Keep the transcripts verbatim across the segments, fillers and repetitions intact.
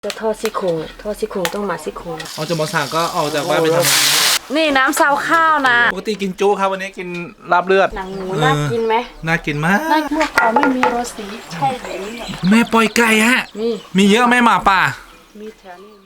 จะทอดซี่โครงทอดซี่โครงต้องมาซี่โครงออกจากมอสั่งก็ออกจากบ้านไปทำงานนี่น้ำซาวข้าวนะปกติกินจุครับวันนี้กินลาบเลือดหนังหมูน่ากินไหมน่ากินมากน่าเมื่อก่อนไม่มีโรสีใช่ไหมแม่ปล่อยไก่ฮะมีมีเยอะแม่หมาป่ามีแถวนี้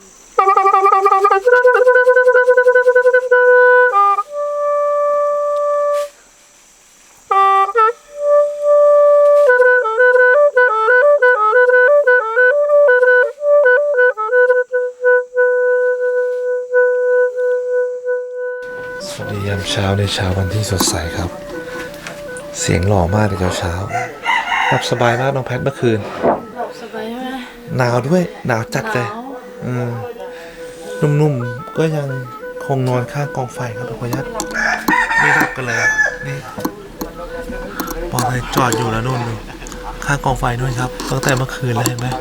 สวัสดียามเช้าในเช้าวันที่สดใสครับเสียงหล่อมากในเช้าเช้าหลับสบายมากน้องแพทเมื่อคืนหลับสบายไหมหนาวด้วยหนาวจัดเลยอืมนุ่มๆก็ยังคงนอนข้างกองไฟครับทุกคนยัดไม่รับกันเลยนี่ปอเลยจอดอยู่แล้วนู่นข้างกองไฟนู่นครับตั้งแต่เมื่อคืนเลยเห็นไหม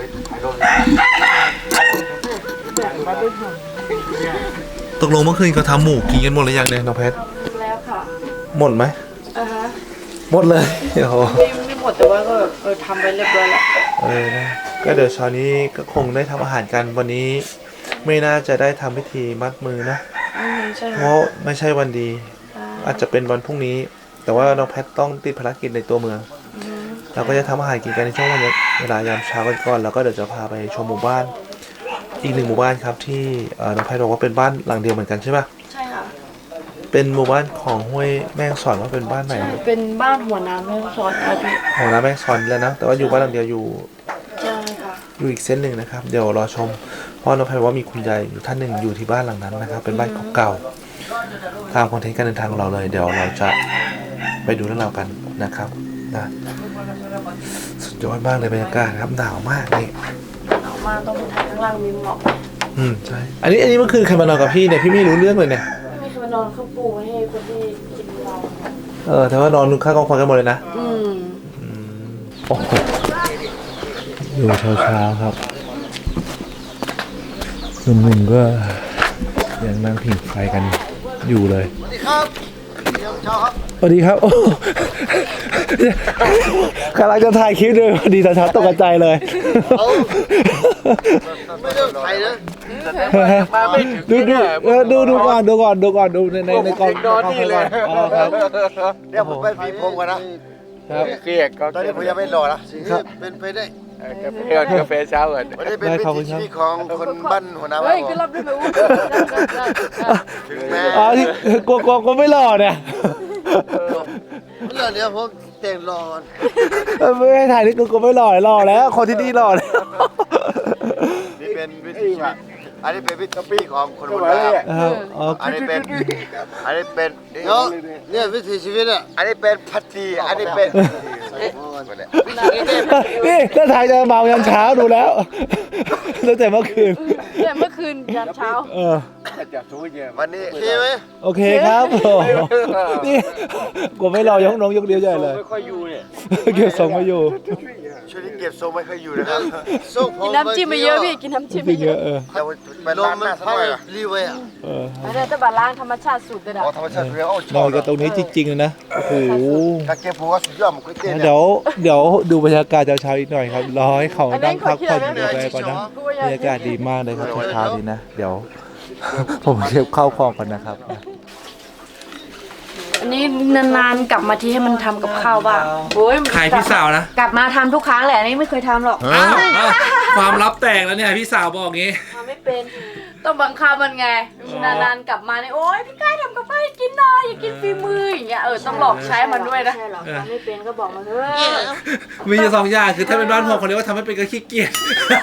ตกลงเมื่อคืนเขาทำหมูกินกันหมดหรือยังเนี่ยน้องแพทแล้วค่ะหมดไหมอ่าฮะหมดเลยโอ้โหไม่ไม่หมดแต่ว่าก็เออทำไปเรียบร้อยแล้วเออนะก็เดี๋ยวเช้านี้ก็คงได้ทำอาหารกันวันนี้ไม่น่าจะได้ทำพิธีมัดมือนะเพราะไม่ใช่วันดีอาจจะเป็นวันพรุ่งนี้แต่ว่าน้องแพทต้องติดภารกิจในตัวเมืองเราก็จะทำอาหารกินกันในช่วงวันเวลายามเช้ากันก่อนแล้วก็เดี๋ยวจะพาไปชมหมู่บ้านอีกหนึ่งหมู่บ้านครับที่น้องแพทบอกว่าเป็นบ้านหลังเดียวเหมือนกันใช่ปะใช่ค่ะเป็นหมู่บ้านของห้วยแม่งสอนว่าเป็นบ้านไหนเป็นบ้านหัวน้ำแม่งสอนครับพี่หัวน้ำแม่งสอนแล้วนะแต่ว่าอยู่บ้านหลังเดียวอยู่ใช่ค่ะอยู่อีกเส้นหนึ่งนะครับเดี๋ยวรอชมเพราะน้องแพทว่ามีคุณยายอยู่ท่านหนึ่งอยู่ที่บ้านหลังนั้นนะครับเป็นบ้านเก่าๆตามคอนเทนต์การเดินทางของเราเลยเดี๋ยวเราจะไปดูเรื่องราวกันนะครับนะสุดยอดมากเลยบรรยากาศครับหนาวมากนี่หนาวมากต้องไปทางข้างล่างมีหมอกอืมใช่อันนี้อันนี้เมื่อคืนใครมานอนกับพี่เนี่ยพี่ไม่รู้เรื่องเลยเนี่ยไม่มีใครมานอนเขาปูให้คนที่กินเราเออแต่ว่านอนข้างกองไฟกันหมดเลยนะอืมโอ้โหอยู่เช้าเช้าครับหนุ่มๆก็ยังนั่งผิงไฟกันอยู่เลยสวัสดีครับเช้าครับสวัสดีครับโอ้กำลังจะถ่ายคลิปเลยพอดีตอนเช้าตกใจเลยไม่ได้ถ่ายนะดูดูดูดูก่อนดูก่อนดูก่อนดูในในในกองนอนนี่เลยเดี๋ยวผมไปฟีผมก่อนนะเครียดก็ตอนนี้ผมยังไม่รอนะเป็นไปได้กาแฟกาแฟเช้าก่อนวันนี้เป็นวิถีชีวิตของคนบ้านหัวหน้าบ้านเฮ้ยคือรับได้ไหมอู้ถึงแม้อ๋อที่กลัวกลัวก็ไม่หล่อเนี่ยเรื่องนี้ผมแต่งรอก่อนไม่ให้ถ่ายนี่กูก็ไม่หล่อหล่อแล้วคนที่นี่หล่อแล้วนี่เป็นวิถีชีวิตอันนี้เป็นวิถีชีวิตของคนหัวหน้าอันนี้เป็นอันนี้เป็นเนี่ยวิถีชีวิตอ่ะอันนี้เป็นพัตตีอันนี้เป็นนี่ถ้าถ่ายจะเมายันเช้าดูแล้วตั้งแต่เมื่อคืนเนี่ยเมื่อคืนยันเช้าเออวันนี้โอเคไหมโอเคครับนี่กูไม่รอยกน้องยกเดียวใหญ่เลยไม่ค่อยอยู่เนี่ยเก็บทรงไม่อยู่ช่วงนี้เก็บทรงไม่ค่อยอยู่นะครับกินน้ำจิ้มไปเยอะพี่กินน้ำจิ้มไปเยอะเออไปล้างหน้าสักหน่อยรีเวย์อ่ะเออแต่จะบาล้างธรรมชาติสุดเลยนะอ๋อธรรมชาติเรียกโอ้ชอบนอนกันตรงนี้จริงๆเลยนะโอ้โหถ้าเก็บหัวสุดยอดมันก็เต้นเดี๋ยวเดี๋ยวดูบรรยากาศเช้าๆอีกหน่อยครับรอให้เขานั่งพักผ่อนอยู่ไปก่อนนะบรรยากาศดีมากเลยครับเช้าๆนี้นะเดี๋ยวผมเก็บข้าวของก่อนนะครับอันนี้นานๆกลับมาที่ให้มันทำกับข้าวบ้างโอ้ยขายพี่สาวนะกลับมาทำทุกครั้งแหละนี่ไม่เคยทำหรอกความลับแตกแล้วเนี่ยพี่สาวบอกงี้ทำไม่เป็นต้องบังคับมันไงนานๆกลับมาเนี่ยโอ๊ยพี่ก้ายทำกับข้าวให้กินหน่อยอยากกินฝีมืออย่างเงี้ยเออต้องหลอกใช้มันด้วยนะใช่หรอทำไม่เป็นก็บอกมาเถอะมีอยู่สองอย่างคือถ้าเป็นบ้านผมคนเรียกว่าทำไม่เป็นก็ขี้เกียจ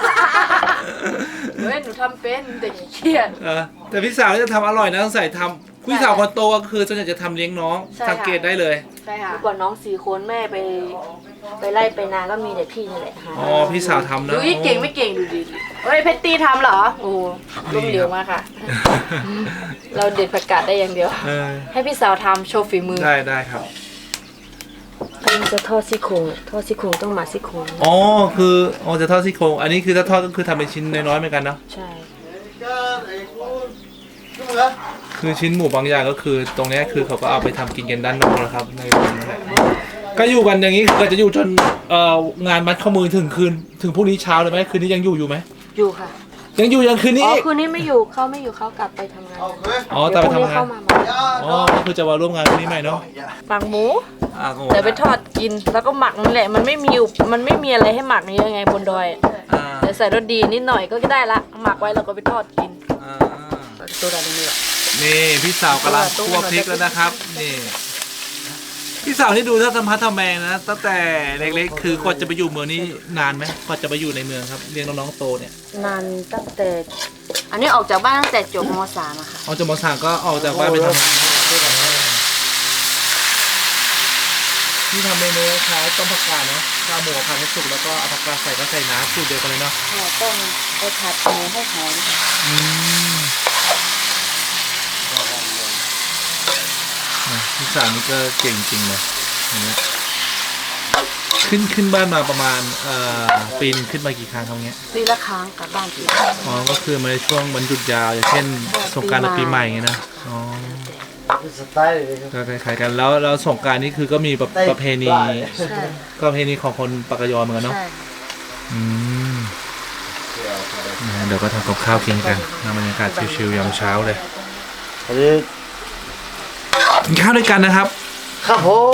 เฮ้ยหนูทำเป็นแต่ขี้เกียจแต่พี่สาวจะทำอร่อยนะต้องใส่ทำพี่สาวคนโตก็คือส่วนใหญ่จะทำเลี้ยงน้องสังเกตได้เลยใช่ค่ะเมื่อก่อนน้องสี่คนแม่ไปไปไล่ไปนาก็มีแต่พี่นี่แหละอ๋อพี่สาวทำนะดูเก่งไม่เก่งดูดิเฮ้ยเพชรตีทำเหรอโอ้ล้มเหลวมากค่ะเราเด็ดผักกาดได้อย่างเดียวให้พี่สาวทำโชว์ฝีมือได้ได้ครับอันนี้จะทอดซี่โครงทอดซี่โครงต้องมาซี่โครงอ๋อคืออ๋อจะทอดซี่โครงอันนี้คือถ้าทอดก็คือทำเป็นชิ้นน้อยๆเหมือนกันเนาะใช่คือชิ้นหมูบางอย่างก็คือตรงนี้คือเขาก็เอาไปทำกินกันด้านนอกนะครับในวันนั้นก็อยู่กันอย่างนี้ก็จะอยู่จนเอ่องานมัดข้อมือถึงคืนถึงพรุ่งนี้เช้าเลยไหมคืนนี้ยังอยู่อยู่ไหมอยู่ค่ะยังอยู่ยังคืนนี้อ๋ออีกคืนนี้ไม่อยู่เขาไม่อยู่เขากลับไปทำงานเอาเคยอ๋อแต่ไปทำงานเข้ามาใหม่อ๋อก็คือจะมาร่วมงานคืนนี้ใหม่เนาะหมักหมูอ่าโอ้เดี๋ยวไปทอดกินแล้วก็หมักนั่นแหละมันไม่มีมันไม่มีอะไรให้หมักเยอะไงบนดอยอ่าเดี๋ยวใส่รสดีนิดหน่อยก็ได้ละหมักไว้แล้วก็ไปทอดกินอ่าตัวอะไรนี่แหละนี่พี่สาวกำลังคั่วพริกแล้วนะครับนี่พี่สาวนี่ดูถ้าสัมพัทธ์ทำแมงนะตั้งแต่เล็กๆคือกว่าจะไปอยู่เมืองนี่นานไหมกว่าจะไปอยู่ในเมืองครับเลี้ยงน้องๆโตเนี่ยนานตั้งแต่ อันนี้ออกจากบ้านตั้งแต่จบม .สาม อะค่ะออกจากมสามก็ออกจากบ้านไปทำงานที่ทำเมนูคล้ายต้มผักกาดเนาะข้าวหมูผัดให้สุกแล้วก็เอาผักกาดใส่ก็ใส่น้ำสูตรเดียวกันเลยเนาะเราต้องไปผัดหมูให้หอมค่ะอืมอ่ะพี่สาวนี่ก็เก่งจริงเลยอย่างเงี้ยขึ้นขึ้นบ้านมาประมาณเอ่อปีนงขึ้นมากี่ครั้งครับเงี้ยปีละครั้งกลับบ้านทีอ๋อก็คือมาในช่วงวันหยุดยาวอย่างเช่นสงกรานต์กับปีใหม่ไงนะอ๋อสไตล์เลยครับก็คล้ายๆกันแล้วแล้วสงกรานต์นี่คือก็มีประประเพณีใช่ก็ประเพณีของคนปากกยอเหมือนกันเนาะใช่อืมนะเดี๋ยวก็ทำกับข้าวกินกันนะบรรยากาศชิลๆยามเช้าเลยอันนี้กินข้าวด้วยกันนะครับครับผม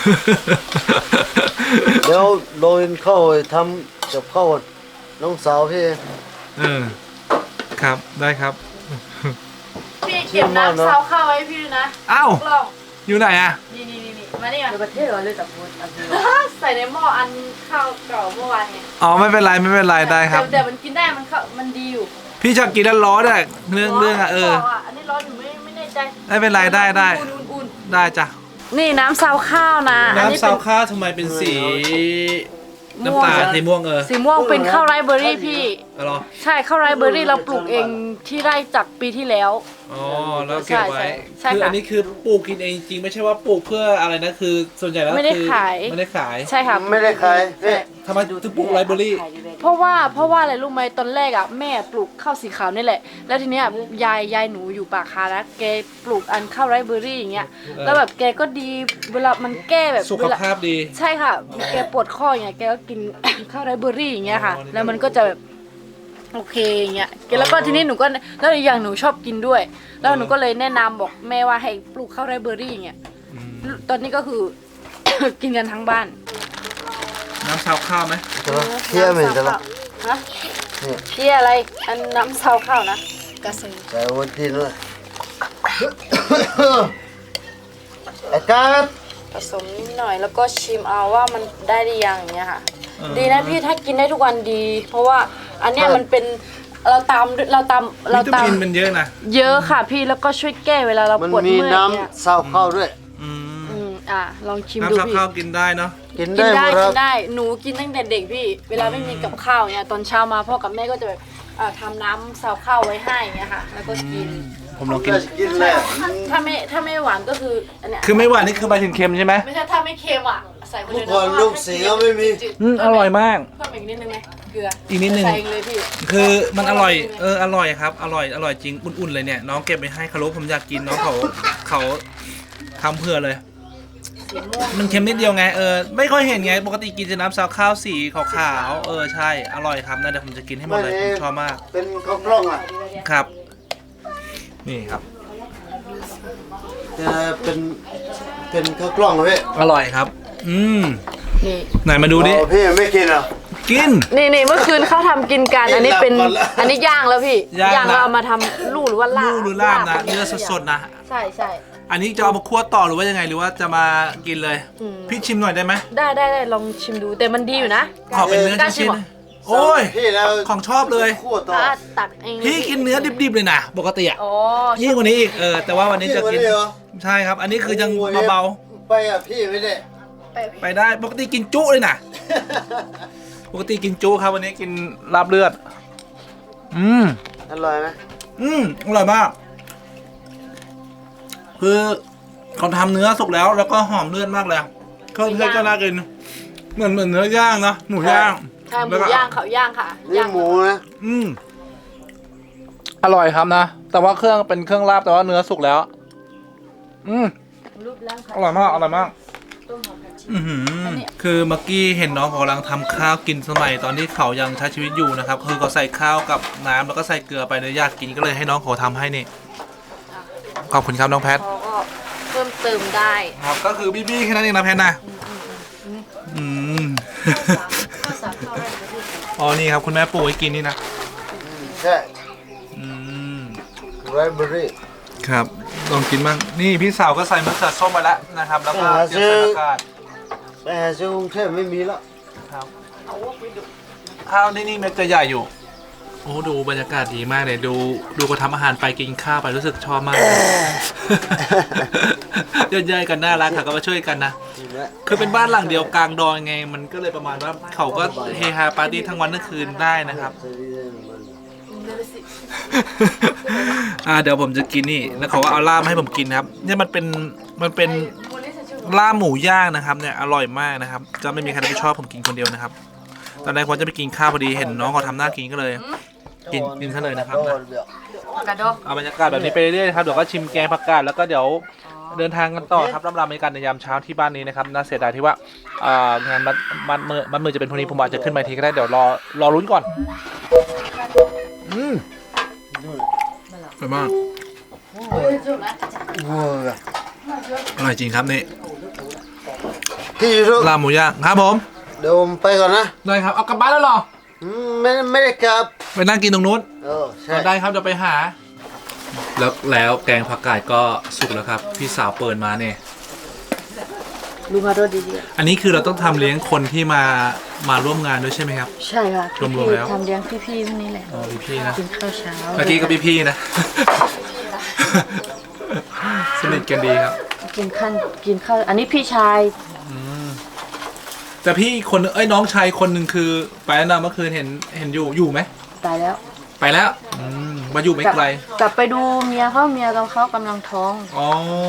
เดี๋ยวโรยเข้าไปทำกับข้าวน้องสาวพี่เออครับได้ครับพี่เก็บน้ำซาวข้าวไว้ให้พี่ด้วยนะอ้าวกล่องอยู่ไหนอะนี่นี่นี่นี่มานี่ก่อนประเทศเลยแต่พูดใส่ในหม้ออันข้าวเก่าเมื่อวานไงอ๋อไม่เป็นไรไม่เป็นไรได้ครับแต่แต่มันกินได้มันเข้ามันดีอยู่พี่ชอบกินแล้วร้อนอะเรื่องเรื่องอะเออบอกอันนี้ร้อนอยู่ไม่ไม่แน่ใจไม่เป็นไรได้ได้อุ่นๆได้จ้ะๆนี่น้ำซาวข้าวนะอันนี้น้ำเป็ซาน วข้าวทำไมเป็นสีน้ำตาลสีม่วงเออสีม่วงเป็นข้าวไรซ์เบอร์รี่พี่เอาเหรอใช่ข้าวไรซ์เบอร์รี่เราปลูกเองที่ไร่จากปีที่แล้วอ๋อแล้วเก็บไว้ใช่ใช่คือค่ะอันนี้คือปลูกกินเองจริงไม่ใช่ว่าปลูกเพื่ออะไรนะคือส่วนใหญ่แล้วไม่ได้คือขายไม่ได้ขายใช่ค่ะไม่ได้ขายพี่ทำไมถึงปลูกไรเบอรี่เพราะว่าเพราะว่าอะไรรู้ไหมตอนแรกอ่ะแม่ปลูกข้าวสีขาวนี่แหละ แล้วทีเนี้ยยายยายหนูอยู่ปากคานะแกปลูกอันข้าวไรซ์เบอร์รี่อย่างเงี้ยแล้วแบบแกก็ดีเวลามันแก้แบบสุขเวลาภาพดีใช่ค่ะ แกปวดข้ออย่างเงี้ย แกก็กิน ข้าวไรซ์เบอร์รี่อย่างเงี้ยค่ะอ๋อแล้วมันก็จะแบบโอเคอย่างเงี้ย แล้วก็ทีนี้หนูก็ แล้วอีกอย่างหนูชอบกินด้วย แล้วหนูก็เลยแนะนำบอกแม่ว่าให้ปลูกข้าวไรซ์เบอร์รี่อย่างเงี้ยอืมตอนนี้ก็คือ กินกันทั้งบ้านน้ำซาวข้าวไหมเที่ยวเหมือนกันละฮะเที่ยอะไร อันน้ำซาวข้าวนะกระสือแต่วันที่เลยอากาศผสมนิดหน่อย แล้วก็ชิมเอาว่ามันได้หรือยังอย่างเงี้ยค่ะ ดีนะพี่ถ้ากินได้ทุกวันดี เพราะว่าอันเนี้ยมันเป็นเราตามเราตามเราวิตาตามมินมันเยอะนะเยอะค่ะพี่แล้วก็ช่วยแก้เวลาเรามันปวดมีเมื่อยน้เนี่ยำซาวข้าวด้วยอืมอืมอ่ะลองชิมดูน้ำซาวพี่ข้าวกินได้เนาะกินกิได้นหมได้ดคกิรับนได้หนูกินตั้งแต่เด็กพี่ เวลาไม่มีกับข้าวเนี่ยตอนเช้ามาพ่อกับแม่ก็จะแบบอ่าทำน้ำซาวข้าวไว้ให้อย่างเงี้ยค่ะ แล้วก็กินผมลองกินกินเลยถ้าไม่ถ้าไม่หวานก็คืออันเนี้ยคือไม่หวานนี่คือไปถึงเค็มใช่ไหมไม่ใช่ถ้าไม่เค็มอ่ะใส่ไปเลยเมื่อก่อนลูกเสียไม่มีจืดๆอืมอร่อยมากเพิ่มอีกนิดนึงไหมเกลืออีกนิดนึงใส่เองเลยพี่คือมันอร่อย เออ อร่อยครับ อร่อย อร่อยจริง อุ่นๆเลยเนี่ย น้องเก็บไปให้คารุผมอยากกินน้องเขาเขาทำเพื่อเลยสีม่วงมันเค็มนิดเดียวไง เออ ไม่ค่อยเห็นไง ปกติกินจะน้ำซาวข้าวสีขาวๆ เออ ใช่ อร่อยครับนะเดี๋ยวผมจะกินให้หมดเลยผมชอบมากเป็นข้าวกล้องอ่ะครับ นี่ครับจะเป็นเป็นข้าวกล้องเหรอพี่อร่อยครับ อืมนี่ไหนมาดูดิอ๋อพี่ไม่กินเหรอกินนี่นี่เมื่อคืนเขาทำกินกัน อันนี้เป็นหลับก่อนละอันนี้ย่างแล้วพี่ย่างนะแล้วเอามาทำลูกหรือว่าลาบลูกหรือลาบนะ เนื้อสดๆนะใช่ใช่อันนี้จะเอามาคั่วต่อหรือว่ายังไง หรือว่าจะมากินเลยอืมพี่ชิมหน่อยได้ไหมได้ได้ได้ลองชิมดูแต่มันดีอยู่นะขอเป็นเนื้อกล้าชิชิ้มนเหรอๆโอ้ยพี่แล้วของชอบเลยคั่วต่อถ้าตักเองเลยพี่กินเนื้อดิบๆเลยนะ ปกติอ่ะอ๋อยิ่งกว่านี้อีก เออ แต่ว่าวันนี้จะกินพี่เหรอใช่ครับ อันนี้คือยังโอ้โหเบาไปอ่ะพี่ไม่ได้ๆ ไปได้ ปกติกินจุเลยนะ ปกติกินจุครับวันนี้กินลาบเลือด อืมอร่อยไหมอืมอร่อยมาก คือเขาทำเนื้อสุกแล้ว แล้วก็หอมเลือดมากเลยเครื่องเทศก็น่ากิน เหมือนเหมือนเนื้อย่างนะหมูย่างใช่หมูย่างเขาย่างค่ะนี่หมูนะอืมอร่อยครับนะ แต่ว่าเครื่องเป็นเครื่องลาบแต่ว่าเนื้อสุกแล้ว อืมรูปร่างค่ะอร่อยมาก อร่อยมากต้มหอมผักชีอือหือคือเมื่อกี้เห็นน้องเขากำลังทำข้าวกินสมัยตอนที่เขายังใช้ชีวิตอยู่นะครับคือเขาใส่ข้าวกับน้ำแล้วก็ใส่เกลือไปเลยอยากกินก็เลยให้น้องเขาทำให้นี่ขอบคุณครับน้องแพทเขาก็เพิ่มเติมได้ครับก็คือบี้ๆแค่นั้นเองนะแพทนะอืมข้าวสารข้าวไรประเทศอ๋อนี่ครับคุณแม่ปลูกไว้กินนี่นะใช่อืมไรเบอรี่ครับลองกินบ้างนี่พี่สาวก็ใส่มะเขือส้มมาแล้วนะครับแล้วก็เตรียมใส่ผักกาดไปหาซื้อกรุงเทพไม่มีแล้วครับข้าวนี่นี่เม็ดจะใหญ่อยู่โอ้ดูบรรยากาศดีมากเลยดูดูก็ทำอาหารไปกินข้าวไปรู้สึกชอบมากเลยย่อยๆกันน่ารักค่ะก็มาช่วยกันนะคือเป็นบ้านหลังเดียวกลางดอยไงมันก็เลยประมาณว่าเขาก็เฮฮาปาร์ตี้ทั้งวันทั้งคืนได้นะครับ อ่าเดี๋ยวผมจะกินนี่แล้วเขาก็เอาลาบมาให้ผมกินนะครับเนี่ยมันเป็นมันเป็นลาบหมูย่างนะครับเนี่ยอร่อยมากนะครับจะไม่มีใครไม่ชอบผมกินคนเดียวนะครับตอนแรกผมจะไปกินข้าวพอดีเห็นน้องเขาทำหน้ากินก็เลย กินกินซะเลยนะครับนะกระโดดเอาบรรยากาศแบบนี้ไปเรื่อยๆครับเดี๋ยวก็ชิมแกงผักกาดแล้วก็เดี๋ยวเดินทางกันต่อครับร่ำรำในการในยามเช้าที่บ้านนี้นะครับน่าเสียดายที่ว่าอ่างานมัดมัดมือมัดมือจะเป็นพรุ่งนี้ผมอาจจะขึ้นมาอีกทีก็ได้เดี๋ยวรอรอลุ้นก่อนอืมอร่อยมากอร่อยจริงครับนี่ที่ยูทูบลาบหมูย่างครับผมเดี๋ยวผมไปก่อนนะได้ครับเอากลับบ้านแล้วเหรออืมไม่ไม่ได้กลับไปนั่งกินตรงนู้นเออใช่ได้ครับเดี๋ยวไปหา แล้วแล้วแกงผักกาดก็สุกแล้วครับพี่สาวเปิดมาเนี่ยดูมาโดดดีอันนี้คือเราต้องทำเลี้ยงคนที่มามาร่วมงานด้วยใช่ไหมครับๆใช่ค่ะรวมๆแล้วทำเลี้ยงพี่ๆพวกนี้แหละอ๋อพี่ๆนะกินข้าวเช้าเมื่อกี้ก็พี่ๆนะ สนิทกันดีครับกินข้าวกินข้าวอันนี้พี่ชายแต่พี่อีกคนนึงเอ้ยน้องชายคนหนึ่งคือไปแล้วนะเมื่อคืนเห็นเห็นอยู่อยู่ไหมตายแล้วไปแล้วอืมมาอยู่ไม่ไกลกลับไปดูเมียเขาเมียตอนเขากำลังท้องอ๋อ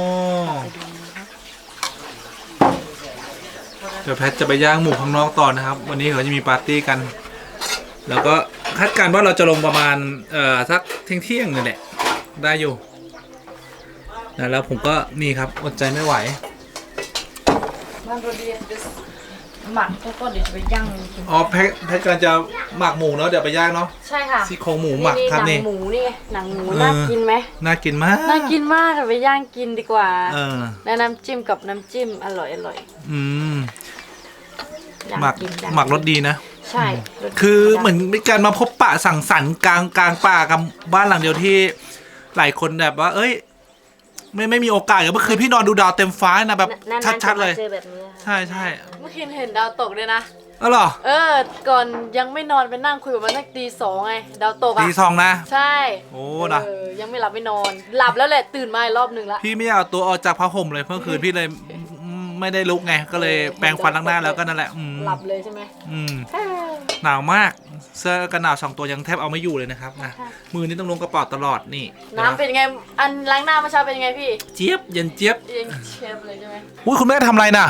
เดี๋ยวแพทจะไปย่างหมูข้างนอกต่อนะครับ วันนี้เขาจะมีปาร์ตี้กัน แล้วก็คาดการณ์ว่าเราจะลงประมาณเอ่อสักเที่ยงเที่ยงนี่แหละได้อยู่นะแล้วผมก็นี่ครับอดใจไม่ไหวบ้านโรเดียนหมักแล้วก็เดี๋ยวจะไปย่างกินอ๋อแพทแพทกำลังจะหมักหมูเนาะเดี๋ยวไปย่างเนาะใช่ค่ะซี่โครงหมูหมักครับหนันี่งหมูนี่ไงหนังหมูเออน่ากินไหมน่ากินมากน่ากินมากค่ะไปย่างกินดีกว่าเออแล้วน้ำจิ้มกับน้ำจิ้มอร่อยอร่อยอืมอยาหมักกินอยาหมักรสดีนะใช่รสคือเหมือนเป็นการมาพบปะสังสรรค์กลางกลางป่ากับบ้านหลังเดียวที่หลายคนแบบว่า เอ้ย ไม่ไม่มีโอกาสอย่างเมื่อคืนพี่นอนดูดาวเต็มฟ้านะแบบนานๆชัดๆเลยจะมาเจอแบบนี้ค่ะใช่ใช่เมื่อคืนเห็นดาวตกด้วยนะอ๋อเหรอเออ ก่อนยังไม่นอนไปนั่งคุยกับมันสักตีสองไง ดาวตกอ่ะตีสองนะใช่โอ้นะเออยังไม่หลับไม่นอน หลับแล้วแหละตื่นมาอีกรอบหนึ่งละพี่ไม่เอาตัวออกจากผ้าห่มเลยเมื่อคืนพี่เลยไม่ได้ลุกไงก็เลยแปรงฟันล้างหน้าแล้วก็นั่นแหละอืมหลับเลยใช่ไหมอืมเออหนาวมากเสื้อกันหนาวสองตัวยังแทบเอาไม่อยู่เลยนะครับนะมือนี่ต้องลงกระเป๋าตลอดนี่น้ำเป็นยังไง อันล้างหน้าเมื่อเช้าเป็นยังไงพี่เจี๊ยบเย็นเจี๊ยบยังเชฟเลยใช่ไหมอุ้ยคุณแม่ทำอะไรน่ะ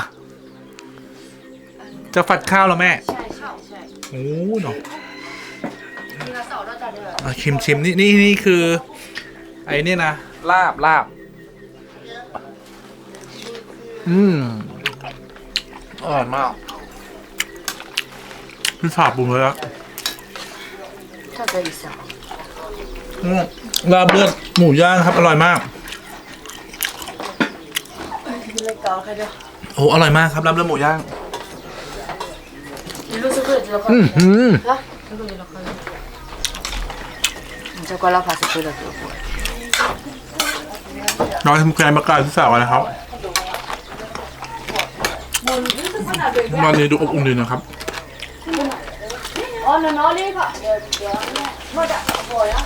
จะฝัดข้าวแล้วแม่ใช่ใช่ใช่โอ้เนาะมีกระเสาด้วยจ้ะเด้ออ่ะชิมชิมนี่นี่นี่คือ ไอ้นี่นะลาบลาบอืมอร่อยมากพี่สาบปรุงเลยอะถ้าจะอีกสองอืมลาบเลือดหมูย่างครับอร่อยมากเลยเกาใครเด้อโอ้อร่อยมากครับลาบเลือดหมูย่างรู้สึกว่าจะละครอืมอืมฮะรู้สึกละครจะก็ละพาสุดเลยตัวน้อยทำแกงมะกาที่สาวนะครับวันนี้ดูอบอุ่นดีนะครับอ๋อน้อยนี่ค่ะเดี๋ยวเดี๋ยวมาจากบ่อยอ่ะ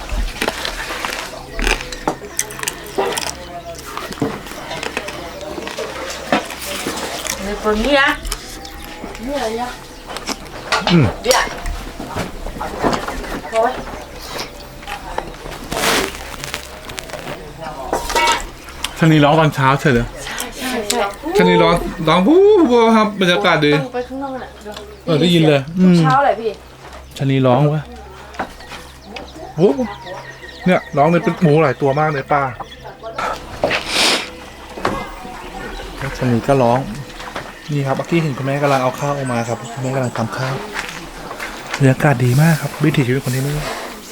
นี่คนนี้อ่ะนี่อะไรอ่ะอืมเดี๋ยวโอ้ยชนีร้องตอนเช้าเฉยเลยใช่ใช่ชนีร้องร้องพู้พู้ครับบรรยากาศดีต้องไปข้างนอกน่ะเออได้ยินเลยอืมเช้าเลยพี่ชนีร้องวะโอ้เนี่ยร้องเลยเป็นหมูหลายตัวมากเลยป้าชนีก็ร้องนี่ครับเมื่อกี้เห็นคุณแม่กำลังเอาข้าวออกมาครับคุณแม่กำลังทำข้าวบรรยากาศดีมากครับวิถีชีวิตคนที่นี่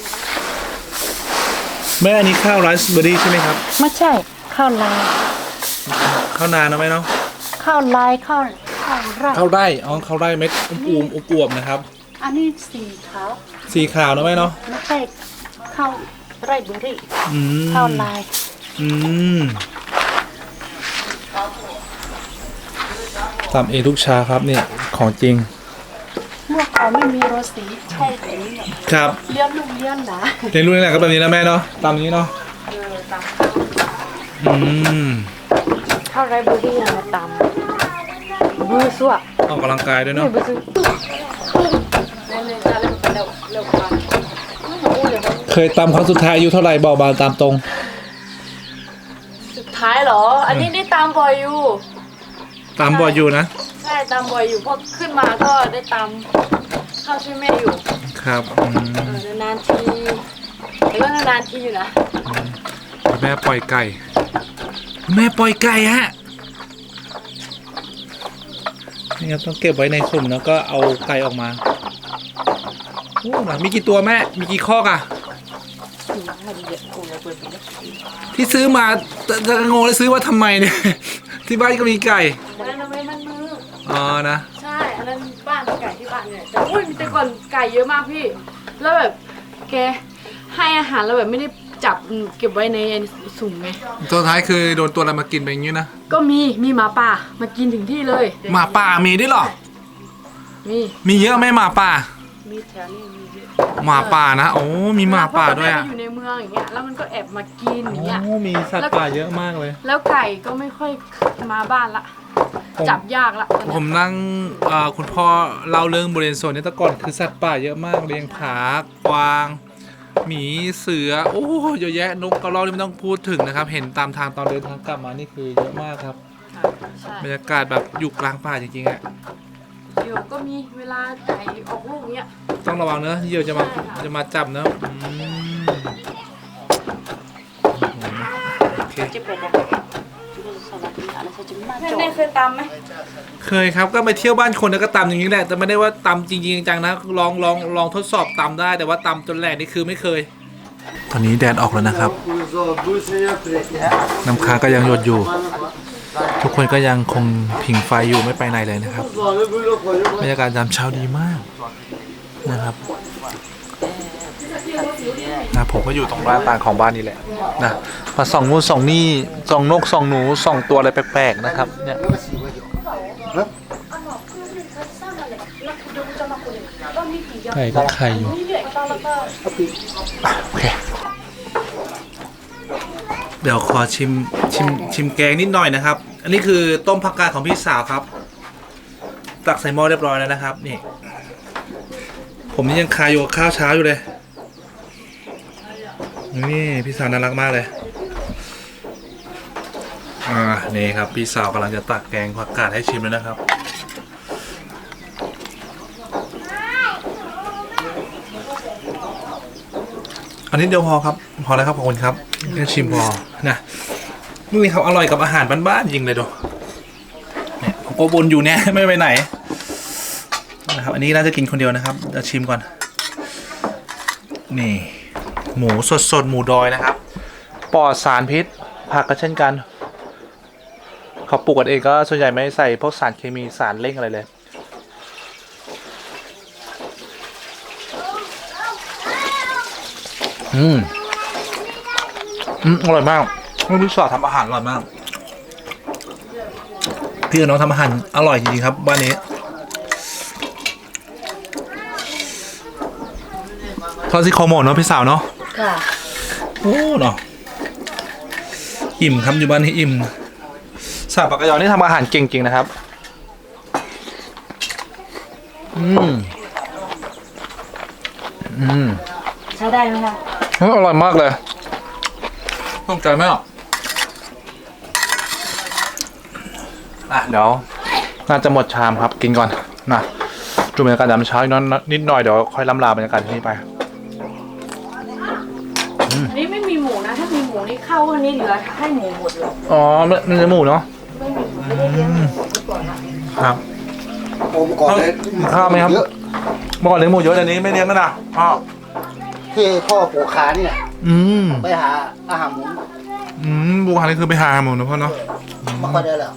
แม่อันนี้ข้าวไรซ์เบอร์รี่ใช่ไหมครับไม่ใช่ข้าวลายข้าวนานนะแม่เนาะข้าวลายข้าวข้าวไร่ข้าวไร่อ๋อข้าวไร่เม็ดอุ้มๆอวบๆนะครับอันนี้สีขาวสีขาวนะแม่เนาะไม่ใช่ข้าวไรเบอร์รี่อืมข้าวลายอืมตำเองทุกเช้าครับเนี่ยของจริงเมื่อก่อนไม่มีโรสีใช่แต่นี้แบบครับเลี้ยงลูกเลี้ยงหลานเรียนรู้นี่แหละก็แบบนี้นะแม่เนาะตามนี้เนาะเออตามอืมข้าวไรเบอร์รี่มาตำบื้อสั่วออกกำลังกายด้วยเนาะไม่บื้อเล่นเล่นจะเล่นไปเร็วเร็วกว่าไม่รู้เลยว่าเคยตำครั้งสุดท้ายอายุเท่าไหร่บอกมาตามตรงสุดท้ายเหรอ อันนี้ได้ตามบ่อยอยู่ตามบ่อยอยู่นะใช่ตามบ่อยอยู่เพราะขึ้นมาก็ได้ตามข้าวช่วยแม่อยู่ครับอืมเออนานๆทีแต่ก็นานๆทีอยู่นะแม่ปล่อยไก่ แม่ปล่อยไก่ฮะนี่ครับต้องเก็บไว้ในสุ่มแล้วก็เอาไก่ออกมาโอ้หลังมีกี่ตัวแม่มีกี่คอกอะที่ซื้อมาจะจะงงเลยซื้อว่าทำไมเนี่ย ที่บ้านก็มีไก่อันนั้นเอาไว้มันมืออ๋อนะใช่ อันนั้นบ้านไก่ที่บ้านเนี่ยแต่อุ้ยแต่ก่อนไก่เยอะมากพี่ แล้วแบบแกให้อาหารแล้วแบบไม่ได้จับเก็บไว้ในสุ่มไงตัวท้ายคือโดนตัวอะไรมากินไปอย่างนี้นะก็มีมีหมาป่ามากินถึงที่เลยหมาป่ามีด้วยเหรอมีมีเยอะไหมหมาป่ามีแถวนี้มีเยอะหมาป่านะโอ้มีหมาป่าด้วยอ่ะเพระตนแรกอยู่ในเมืองอย่างเงี้ยแล้วมันก็แอบมากินอย่างเงี้ยโอ้มีสัตว์ป่าเยอะมากเลยแล้วไก่ก็ไม่ค่อยมาบ้านละผมจับยากละผมนั่งเอ่อคุณพ่อเล่าเรื่องบริเวณโซนนี้แต่ก่อนคือสัตว์ป่าเยอะมากเลี้ยงผากวางหมีเสือโอ้เยอะแยะนกกระรอกนี่ไม่ต้องพูดถึงนะครับ เห็นตามทางตอนเดินทางกลับมานี่คือเยอะมากครับใช่บรรยากาศแบบอยู่กลางป่าจริงๆอะเดี๋ยวก็มีเวลาไก่ออกลูกเงี้ยต้องระวังเนอะเหยี่ยวจะมาจะมาจับเนอะอืมโอเคจะเป็นแบบสวัสดีอะไรจะมาแม่จบแม่เคยตามไหมเคยครับก็ไปเที่ยวบ้านคนแล้วก็ตำอย่างนี้แหละแต่ไม่ได้ว่าตำจริงๆจังๆนะลองลองลองทดสอบตำได้แต่ว่าตำจนแหลกนี่คือไม่เคย ตอนนี้แดดออกแล้วนะครับ น้ำค้างก็ยังหยดอยู่ ทุกคนก็ยังคงผิงไฟอยู่ไม่ไปไหนเลยนะครับบรรยากาศยามเช้าดีมากนะครับนะผมก็อยู่ตรงบ้านต่างของบ้านนี่แหละนะมาส่องงูส่องนี่ส่องนกส่องหนูส่องตัวอะไรแปลกๆนะครับเนี่ยไก่ก็ไข่อยู่โอเคเดี๋ยวขอชิมชิมชิมแกงนิดหน่อยนะครับ อันนี้คือต้มผักกาดของพี่สาวครับ ตักใส่หม้อเรียบร้อยแล้วนะครับนี่ผมนี่ยังคาอยู่กับข้าวเช้าอยู่เลยนี่พี่สาวน่ารักมากเลยอ่านี่ครับพี่สาวกำลังจะตักแกงผักกาดให้ชิมแล้วนะครับอันนี้เดียวพอครับพอแล้วครับขอบคุณครับแค่ชิมพอนะนี่ครับอร่อยกับอาหารบ้านๆจริงเลยดูเนี่ยผมก็บนอยู่เนี่ยไม่ไปไหนนะครับอันนี้น่าจะกินคนเดียวนะครับจะชิมก่อนนี่หมูสดๆหมูดอยนะครับปลอดสารพิษผักก็เช่นกันเขาปลูกกันเองก็ส่วนใหญ่ไม่ใส่พวกสารเคมีสารเร่งอะไรเลยอืมอืมอร่อยมากพี่สาวทำอาหารอร่อยมากพี่กับน้องทำอาหารอร่อยจริงๆครับบ้านนี้ทอดซี่โครงหมูเนาะพี่สาวเนาะค่ะโอ้เนาะอิ่มครับอยู่บ้านนี้อิ่มสาวปากกยอนี่ทำอาหารเก่งจริงนะครับอืมอืมใช้ได้ไหมคะอร่อยมากเลยต้องใจไหมอ่ะอ่ะเดี๋ยวน่าจะหมดชามครับกินก่อนนะดูบรรยากาศยามเช้าอีกนิดหน่อยเดี๋ยวค่อยล้ำลาบรรยากาศที่นี่ไปอันนี้ไม่มีหมูนะ ถ้ามีหมูนี่เข้าอันนี้เหลือให้หมูหมดเลยอ๋อมันจะหมูเนาะไม่มีหมูไม่ได้เลี้ยงหมูไว้ก่อนนะครับโอ้เมื่อก่อนเลยข้าวไหมครับเยอะเมื่อก่อนเลี้ยงหมูเยอะแต่นี้ไม่เลี้ยงแล้วนะพ่อที่พ่อปลูกขาเนี่ยอืมไปหาอาหารหมูอืมบูฮานี่คือไปหาหมูนะพ่อเนาะไม่ค่อยได้แล้ว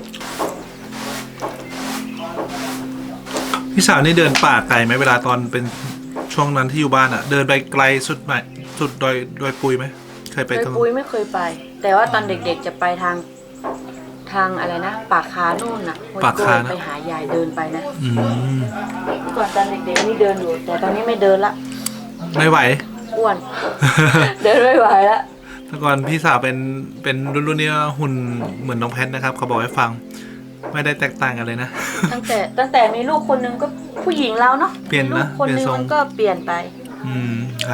พี่สาวนี่เดินป่าไกลไหมเวลาตอนเป็นช่วงนั้นที่อยู่บ้านอะเดินไปไกลสุดไหมสุดดอยดอยปุยไหมเคยไปไปตรงปุยไม่เคยไป แต่ว่าตอนเด็กๆจะไปทางทางอะไรนะปากคานู่นน่ะห้วยโกยไปหายายเดินไปนะอืมเมื่อก่อนตอนเด็กๆนี่เดินอยู่ แต่ตอนนี้ไม่เดินละไม่ไหวอ้วน เดินไม่ไหวละแต่ก่อนพี่สาวเป็นเป็นรุ่นรุ่นนี้หุ่นเหมือนน้องแพทนะครับเขาบอกให้ฟัง ไม่ได้แตกต่างกันเลยนะตั้งแต่ตั้งแต่มีลูกคนหนึงก็ผู้หญิงแล้วเนาะเปลี่ยนนะมีลูกคนหนึงเปลี่ยนทรงมันก็เปลี่ยนไปอืมครับ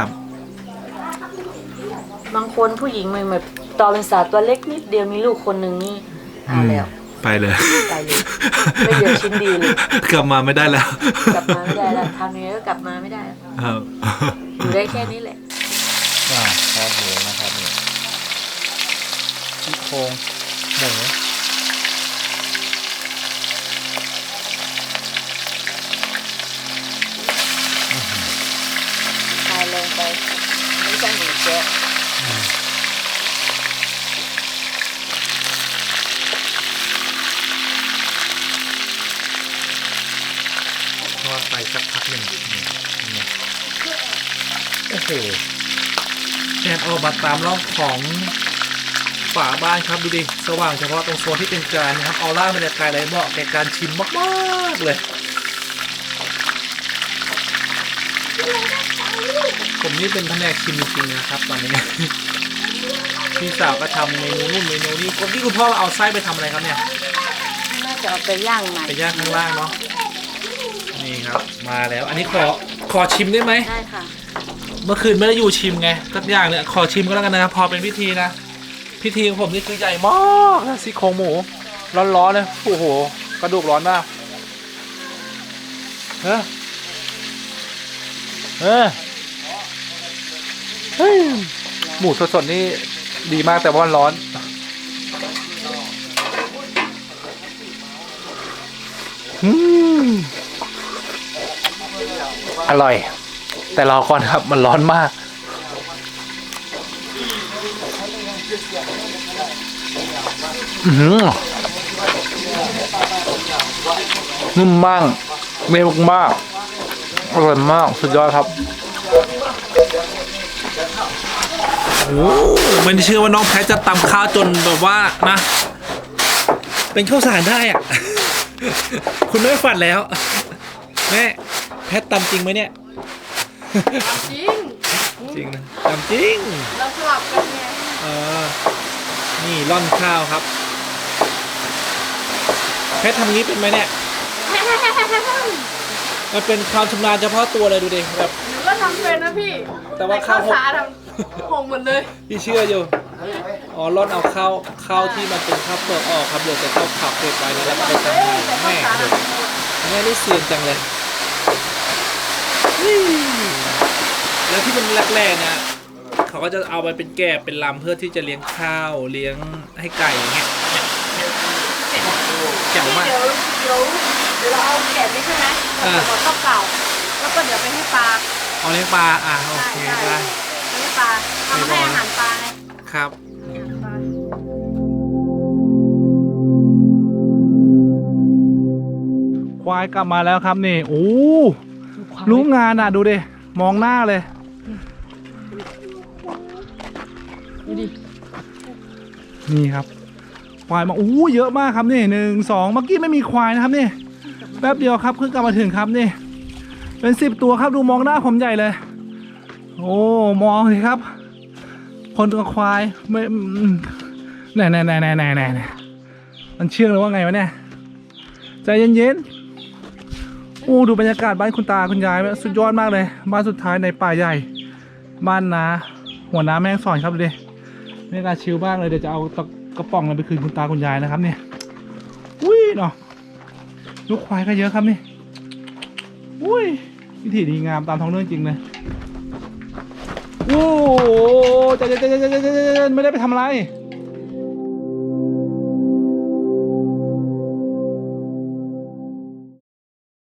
บางคนผู้หญิงมันแบบตอนเป็นสาวตัวเล็กนิดเดียวมีลูกคนหนึ่งนี่เอาแล้วไปเลยไปเลยไม่เหลือชิ้นดีเลยกลับมาไม่ได้แล้วกลับมาไม่ได้แล้วทำยังไงก็กลับมาไม่ได้แล้วครับอยู่ได้แค่นี้แหละอ่าทอดหมูนะครับนี่ซี่โครงหมูตายเลยไปไม่ใช่หมูแจ๊ะทอดไปสักพักหนึ่งนี่นี่โอ้โหแดดออกมาตามร่องของฝาบ้านครับดูดิสว่างเฉพาะตรงโซนที่เป็นจานนะครับออร่าบรรยากาศอะไรเหมาะแก่การชิมมากๆเลย ผมนี่เป็นแผนกชิมจริงๆนะครับตอนนี้ พี่สาวก็ทำเมนูนู่นเมนูนี้คนที่คุณพ่อเอาไส้ไปทำอะไรครับเนี่ยน่าจะเอาไปย่างใหม่ไปย่างข้างล่างเนาะนี่ครับมาแล้วอันนี้ขอขอชิมได้ไหมได้ค่ะเมื่อคืนไม่ได้อยู่ชิมไงสักอย่างเนี่ยขอชิมก็แล้วกันนะครับพอเป็นพิธีนะพิธีของผมนี่คือใหญ่มากนะซี่โครงหมูร้อนๆเลยโอ้โหกระดูกร้อนมากเออเออเฮ้ยหมูสดๆนี่ดีมากแต่ว่ามันร้อนอืมอร่อย แต่รอก่อนครับมันร้อนมากอือนุ่มมากเร็วมากอร่อยมากสุดยอดครับโอ้ไม่เชื่อว่าน้องแพทจะตำข้าวจนแบบว่านะเป็นข้าวสารได้อ่ะ คุณไม่ฝันแล้วแม่แพทตำจริงไหมเนี่ยจริงจริงนะตำจริงเราสลับกันไงเออนี่ร่อนข้าวครับแพททำงี้เป็นไหมเนี่ยมันเป็นความชำนาญเฉพาะตัวเลยดูดิแบบหนูก็ทำเป็นนะพี่แต่ว่าข้าวสาทำหงหมดเลยพี่เชื่ออยู่อ๋อร่อนเอาข้าวข้าวที่มันเป็นข้าวเปลือกออกครับเดี๋ยวจะข้าวขับเก็บไว้นะแล้วก็ไปทำใหม่แม่เดี๋ยวแม่ได้เสียงจังเลยแล้วที่มันแรกๆนะเขาก็จะเอาไปเป็นแกบเป็นลำเพื่อที่จะเลี้ยงข้าวเลี้ยงให้ไก่อย่างเงี้ยแจ๋วมากเดี๋ยวเดี๋ยวเดี๋ยวเราเอาแกะนี่ใช่ไหมอ่าเราก็เก่าแล้วก็เดี๋ยวไปให้ปลาเอาเลี้ยงปลาอ่ะโอเคได้ให้ปลาทำให้อาหารปลาไงครับอาหารปลาควายกลับมาแล้วครับนี่โอ้รู้งานอ่ะดูดิมองหน้าเลยดูดินี่ครับควายมาโอ้เยอะมากครับนี่หนึ่งสองเมื่อกี้ไม่มีควายนะครับนี่แป๊บเดียวครับเพิ่งกลับมาถึงครับนี่เป็นสิบตัวครับดูมองหน้าผมใหญ่เลย โอ้มองสิครับ คนกับควายไม่แน่แน่แน่แน่แน่แน่มันเชื่องหรือว่าไงวะเนี่ยใจเย็นๆโอ้ดูบรรยากาศบ้านคุณตาคุณยายสุดยอดมากเลยบ้านสุดท้ายในป่าใหญ่บ้านนาหัวน้ำแม่งสอนครับดูดิบรรยากาศชิลมากเลยเดี๋ยวจะเอาตะกระป๋องไปคืนคุณตาคุณยายนะครับเนี่ยอุ้ยเนาะลูกควายก็เยอะครับนี่อุ้ยวิถีดีงามตามท้องเรื่องจริงเลยโอ้โหใจเย็นๆๆๆๆไม่ได้ไปทำอะไร